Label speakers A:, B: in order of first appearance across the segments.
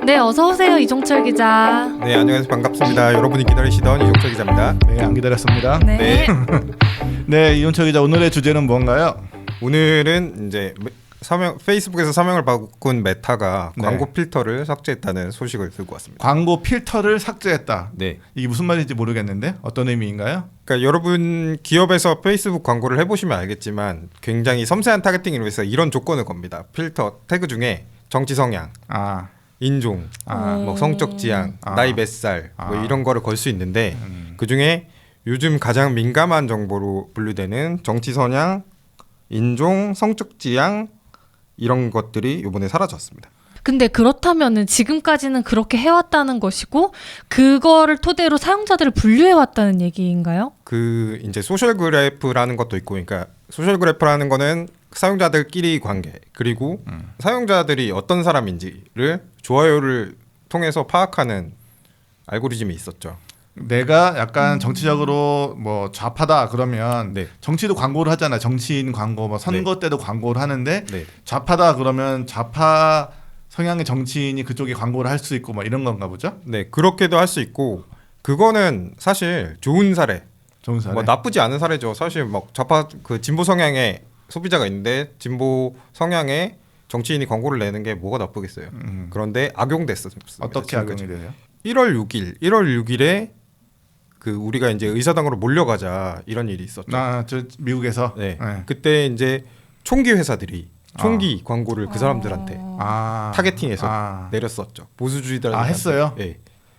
A: 네, 어서 오세요, 이종철 기자.
B: 네, 안녕하세요. 반갑습니다. 여러분이 기다리시던 이종철 기자입니다.
C: 네, 안 기다렸습니다.
A: 네.
C: 네, 이훈철 기자, 오늘의 주제는 뭔가요?
B: 오늘은 이제 페이스북에서 사명을 바꾼 메타가
C: 네.
B: 광고 필터를 삭제했다는 소식을 들고 왔습니다.
C: 광고 필터를 삭제했다.
B: 네.
C: 이게 무슨 말인지 모르겠는데 어떤 의미인가요?
B: 그러니까 여러분 기업에서 페이스북 광고를 해보시면 알겠지만 굉장히 섬세한 타겟팅을 위해서 이런 조건을 겁니다. 필터 태그 중에 정치 성향,
C: 아,
B: 인종, 뭐 성적 지향, 나이 몇 살, 뭐 이런 거를 걸 수 있는데 그 중에 요즘 가장 민감한 정보로 분류되는 정치 성향, 인종, 성적 지향 이런 것들이 이번에 사라졌습니다.
A: 근데 그렇다면은 지금까지는 그렇게 해왔다는 것이고 그거를 토대로 사용자들을 분류해왔다는 얘기인가요?
B: 그 이제 소셜 그래프라는 것도 있고, 그러니까 소셜 그래프라는 거는 사용자들끼리 관계 그리고 사용자들이 어떤 사람인지를 좋아요를 통해서 파악하는 알고리즘이 있었죠.
C: 내가 약간 정치적으로 뭐 좌파다 그러면
B: 네.
C: 정치도 광고를 하잖아. 정치인 광고, 뭐 선거 때도 광고를 하는데
B: 네.
C: 좌파다 그러면 좌파 성향의 정치인이 그쪽에 광고를 할 수 있고 뭐 이런 건가 보죠?
B: 네, 그렇게도 할 수 있고 그거는 사실 좋은 사례,
C: 좋은 사례.
B: 뭐 나쁘지 않은 사례죠. 사실 막 좌파 그 진보 성향의 소비자가 있는데 진보 성향의 정치인이 광고를 내는 게 뭐가 나쁘겠어요. 그런데 악용됐습니다.
C: 어떻게 악용이 돼요?
B: 1월 6일에 그 우리가 이제 의사당으로 몰려가자 이런 일이 있었죠.
C: 저 미국에서.
B: 네.
C: 네.
B: 그때 이제 총기 회사들이 총기 광고를 그 사람들한테 타겟팅해서 내렸었죠. 보수주의자들.
C: 했어요?
B: 네.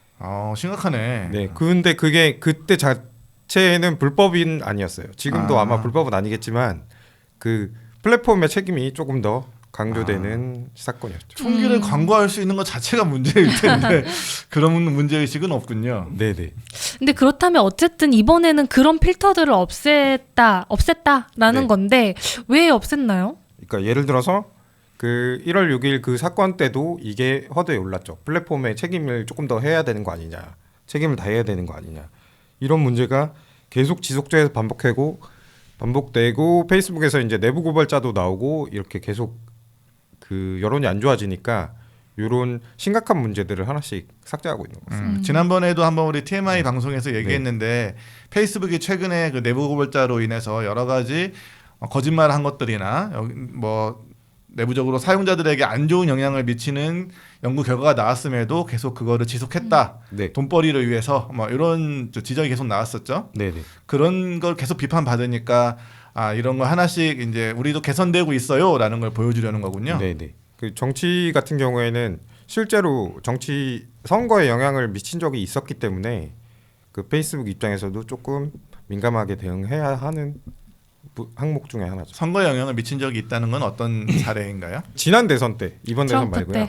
C: 심각하네.
B: 네. 근데 그게 그때 자체는 불법인 아니었어요. 지금도 아마 불법은 아니겠지만 그 플랫폼의 책임이 조금 더 강조되는 사건이었죠.
C: 총기를 광고할 수 있는 것 자체가 문제일 텐데 그런 문제의식은 없군요.
B: 네네.
A: 근데 그렇다면 어쨌든 이번에는 그런 필터들을 없앴다라는
B: 네.
A: 건데 왜 없앴나요?
B: 그러니까 예를 들어서 그 1월 6일 그 사건 때도 이게 허드에 올랐죠. 플랫폼의 책임을 조금 더 해야 되는 거 아니냐, 책임을 다해야 되는 거 아니냐, 이런 문제가 계속 지속적으로 반복되고 페이스북에서 이제 내부 고발자도 나오고 이렇게 계속 그 여론이 안 좋아지니까 이런 심각한 문제들을 하나씩 삭제하고 있는 거죠.
C: 지난번에도 한번 우리 TMI 방송에서 얘기했는데 페이스북이 최근에 그 내부 고발자로 인해서 여러 가지 거짓말한 것들이나 뭐 내부적으로 사용자들에게 안 좋은 영향을 미치는 연구 결과가 나왔음에도 계속 그거를 지속했다.
B: 네.
C: 돈벌이를 위해서 뭐 이런 지적이 계속 나왔었죠.
B: 네네.
C: 그런 걸 계속 비판받으니까 이런 거 하나씩 이제 우리도 개선되고 있어요라는 걸 보여주려는 거군요.
B: 네네. 그 정치 같은 경우에는 실제로 정치 선거에 영향을 미친 적이 있었기 때문에 그 페이스북 입장에서도 조금 민감하게 대응해야 하는 항목 중에 하나죠.
C: 선거에 영향을 미친 적이 있다는 건 어떤 사례인가요?
B: 지난 대선 때, 이번 대선
A: 트럼프
B: 말고요.
A: 때.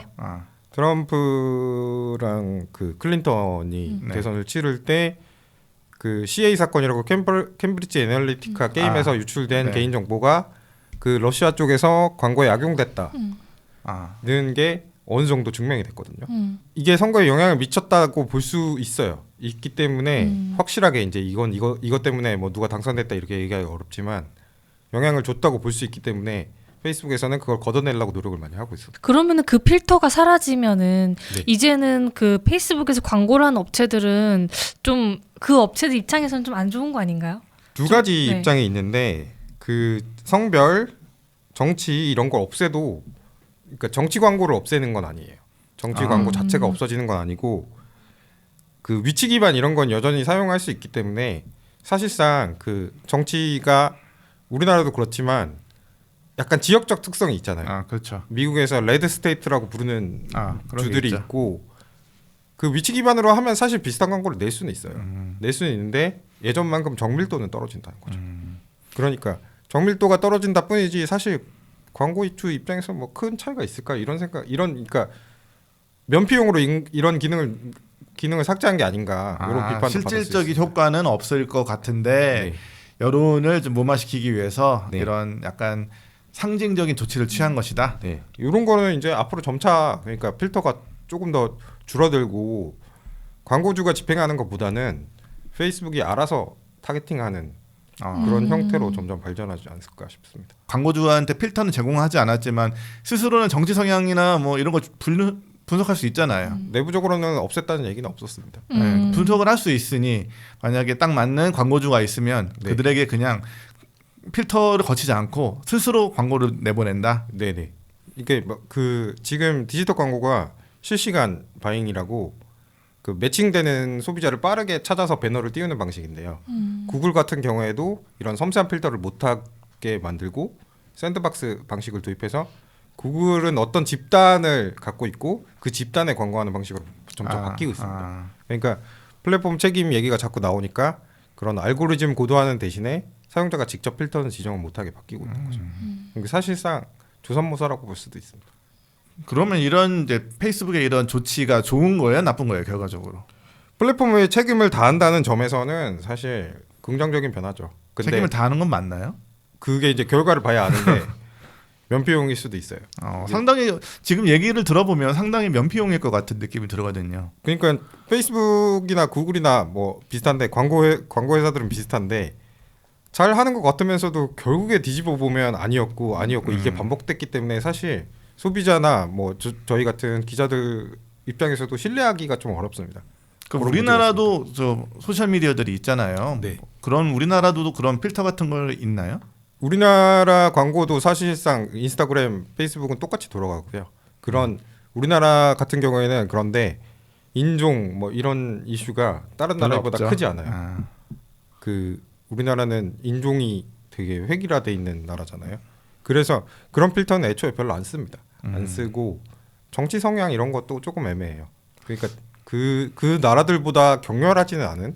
B: 트럼프랑 그 클린턴이
C: 네.
B: 대선을 치를 때 그 CA 사건이라고 캠브리지 애널리티카 게임에서 유출된
C: 네.
B: 개인 정보가 그 러시아 쪽에서 광고에 악용됐다는 게 어느 정도 증명이 됐거든요. 이게 선거에 영향을 미쳤다고 볼 수 있어요. 있기 때문에 확실하게 이제 이것 때문에 뭐 누가 당선됐다 이렇게 얘기하기 어렵지만 영향을 줬다고 볼 수 있기 때문에 페이스북에서는 그걸 걷어내려고 노력을 많이 하고 있어요.
A: 그러면은 그 필터가 사라지면은
B: 네.
A: 이제는 그 페이스북에서 광고를 하는 업체들은 좀 그 업체들 입장에서는 좀 안 좋은 거 아닌가요?
B: 두 가지
A: 네.
B: 입장이 있는데 그 성별, 정치 이런 걸 없애도 그러니까 정치 광고를 없애는 건 아니에요. 정치 광고 자체가 없어지는 건 아니고 그 위치 기반 이런 건 여전히 사용할 수 있기 때문에 사실상 그 정치가 우리나라도 그렇지만 약간 지역적 특성이 있잖아요.
C: 그렇죠.
B: 미국에서 레드 스테이트라고 부르는
C: 그런 게
B: 주들이
C: 있죠.
B: 있고 그 위치 기반으로 하면 사실 비슷한 광고를 낼 수는 있어요. 낼 수는 있는데 예전만큼 정밀도는 떨어진다는 거죠. 그러니까 정밀도가 떨어진다 뿐이지 사실 광고 이주 입장에서 뭐 큰 차이가 있을까 이런 생각 그러니까 면피용으로 이런 기능을 삭제한 게 아닌가 이런 비판도 받을 수
C: 실질적인
B: 있어요.
C: 효과는 없을 것 같은데
B: 네.
C: 여론을 좀 무마시키기 위해서
B: 네.
C: 이런 약간 상징적인 조치를 취한 것이다.
B: 네, 이런 거는 이제 앞으로 점차 그러니까 필터가 조금 더 줄어들고 광고주가 집행하는 것보다는 페이스북이 알아서 타겟팅하는 그런 형태로 점점 발전하지 않을까 싶습니다.
C: 광고주한테 필터는 제공하지 않았지만 스스로는 정치 성향이나 뭐 이런 거 분석할 수 있잖아요.
B: 내부적으로는 없앴다는 얘기는 없었습니다.
C: 네, 분석을 할 수 있으니 만약에 딱 맞는 광고주가 있으면
B: 네.
C: 그들에게 그냥 필터를 거치지 않고 스스로 광고를 내보낸다.
B: 네네. 이게 그 지금 디지털 광고가 실시간 바잉이라고 그 매칭되는 소비자를 빠르게 찾아서 배너를 띄우는 방식인데요. 구글 같은 경우에도 이런 섬세한 필터를 못하게 만들고 샌드박스 방식을 도입해서 구글은 어떤 집단을 갖고 있고 그 집단에 광고하는 방식으로 점점 바뀌고 있습니다. 그러니까 플랫폼 책임 얘기가 자꾸 나오니까 그런 알고리즘 고도화하는 대신에 사용자가 직접 필터는 지정을 못하게 바뀌고 있는 거죠. 그러니까 사실상 조선모사라고 볼 수도 있습니다.
C: 그러면 이런 이제 페이스북의 이런 조치가 좋은 거예요, 나쁜 거예요, 결과적으로?
B: 플랫폼의 책임을 다한다는 점에서는 사실 긍정적인 변화죠. 근데
C: 책임을 다하는 건 맞나요?
B: 그게 이제 결과를 봐야 아는데 면피용일 수도 있어요.
C: 상당히 지금 얘기를 들어보면 상당히 면피용일 것 같은 느낌이 들거든요.
B: 그러니까 페이스북이나 구글이나 뭐 비슷한데 광고 회사들은 비슷한데 잘 하는 것 같으면서도 결국에 뒤집어 보면 아니었고 이게 반복됐기 때문에 사실 소비자나 뭐 저희 같은 기자들 입장에서도 신뢰하기가 좀 어렵습니다.
C: 그럼 우리나라도 저 소셜 미디어들이 있잖아요.
B: 네.
C: 그런 우리나라도 그런 필터 같은 걸 있나요?
B: 우리나라 광고도 사실상 인스타그램, 페이스북은 똑같이 돌아가고요. 그런 우리나라 같은 경우에는 그런데 인종 뭐 이런 이슈가 다른 나라보다
C: 없죠.
B: 크지 않아요. 그 우리나라는 인종이 되게 획일화돼 있는 나라잖아요. 그래서 그런 필터는 애초에 별로 안 씁니다. 안 쓰고 정치 성향 이런 것도 조금 애매해요. 그러니까 그 나라들보다 격렬하지는 않은.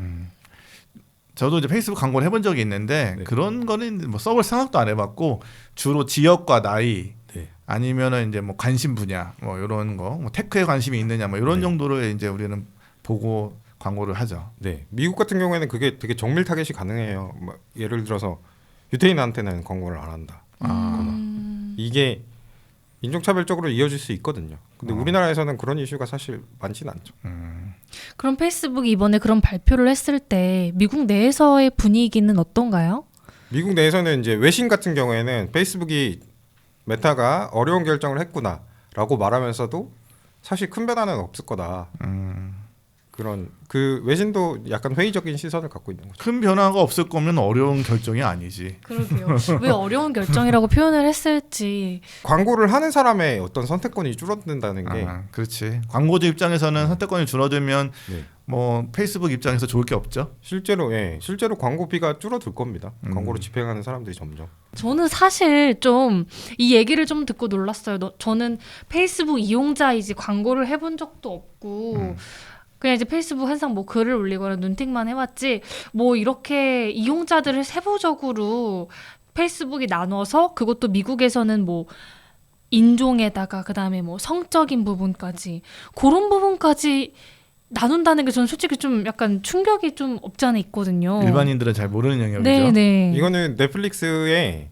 C: 저도 이제 페이스북 광고를 해본 적이 있는데
B: 네.
C: 그런 거는 뭐 써볼 생각도 안 해봤고 주로 지역과 나이
B: 네.
C: 아니면은 이제 뭐 관심 분야 뭐 이런 거, 뭐 테크에 관심이 있느냐 뭐 이런
B: 네.
C: 정도로 이제 우리는 보고 광고를 하죠.
B: 네, 미국 같은 경우에는 그게 되게 정밀 타겟이 가능해요. 뭐 예를 들어서 유태인한테는 광고를 안 한다. 이게 인종차별적으로 이어질 수 있거든요. 근데 우리나라에서는 그런 이슈가 사실 많지는 않죠.
A: 그럼 페이스북이 이번에 그런 발표를 했을 때 미국 내에서의 분위기는 어떤가요?
B: 미국 내에서는 이제 외신 같은 경우에는 페이스북이 메타가 어려운 결정을 했구나라고 말하면서도 사실 큰 변화는 없을 거다. 그런 그 외신도 약간 회의적인 시선을 갖고 있는 거죠.
C: 큰 변화가 없을 거면 어려운 결정이 아니지.
A: 그러게요. 왜 어려운 결정이라고 표현을 했을지.
B: 광고를 하는 사람의 어떤 선택권이 줄어든다는 게
C: 그렇지. 광고주 입장에서는 선택권이 줄어들면
B: 네.
C: 뭐 페이스북 입장에서 좋을 게 없죠.
B: 실제로 광고비가 줄어들 겁니다. 광고를 집행하는 사람들이 점점.
A: 저는 사실 좀 이 얘기를 좀 듣고 놀랐어요. 저는 페이스북 이용자이지 광고를 해본 적도 없고 그냥 이제 페이스북 항상 뭐 글을 올리거나 눈팅만 해왔지 뭐 이렇게 이용자들을 세부적으로 페이스북이 나눠서 그것도 미국에서는 뭐 인종에다가 그다음에 뭐 성적인 부분까지 그런 부분까지 나눈다는 게 저는 솔직히 좀 약간 충격이 좀 없지 않아 있거든요.
C: 일반인들은 잘 모르는 영역이죠.
A: 네네.
B: 이거는 넷플릭스에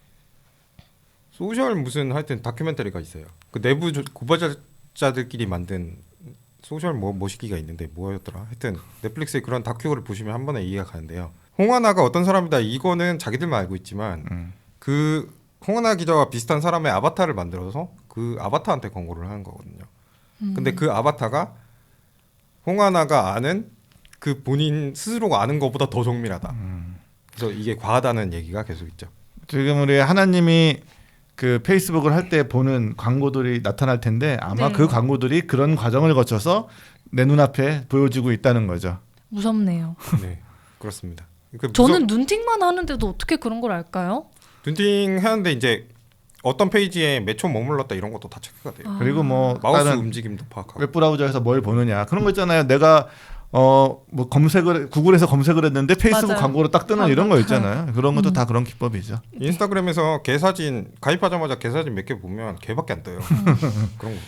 B: 소셜 무슨 하여튼 다큐멘터리가 있어요. 그 내부 고발자들끼리 만든 소셜 뭐 시기가 있는데 뭐였더라. 하여튼 넷플릭스에 그런 다큐를 보시면 한 번에 이해가 가는데요. 홍하나가 어떤 사람이다. 이거는 자기들만 알고 있지만 그 홍하나 기자와 비슷한 사람의 아바타를 만들어서 그 아바타한테 광고를 하는 거거든요. 근데 그 아바타가 홍하나가 아는 그 본인 스스로가 아는 것보다 더 정밀하다. 그래서 이게 과하다는 얘기가 계속 있죠.
C: 지금 우리 하나님이 그 페이스북을 할 때 보는 광고들이 나타날 텐데 아마
A: 네.
C: 그 광고들이 그런 과정을 거쳐서 내 눈앞에 보여지고 있다는 거죠.
A: 무섭네요.
B: 네, 그렇습니다. 그
A: 저는 눈팅만 하는데도 어떻게 그런 걸 알까요?
B: 눈팅 하는데 이제 어떤 페이지에 몇 초 머물렀다 이런 것도 다 체크가 돼요.
C: 그리고 뭐
B: 마우스
C: 다른
B: 움직임도 파악하고.
C: 웹브라우저에서 뭘 보느냐 그런 거 있잖아요. 내가 뭐 구글에서 검색을 했는데 페이스북
A: 맞아요.
C: 광고로 딱 뜨는 이런 거 있잖아요. 그런 것도 다 그런 기법이죠.
B: 인스타그램에서 개사진 가입하자마자 개사진 몇 개 보면 개밖에 안 떠요. 그런 겁니다.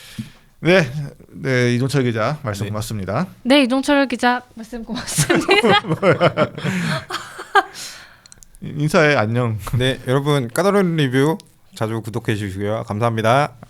C: 네, 이종철 기자 말씀
B: 네.
C: 고맙습니다.
A: 네, 이종철 기자 말씀 고맙습니다.
C: 인사해 안녕.
B: 네, 여러분 까다로운 리뷰 자주 구독해 주시고요. 감사합니다.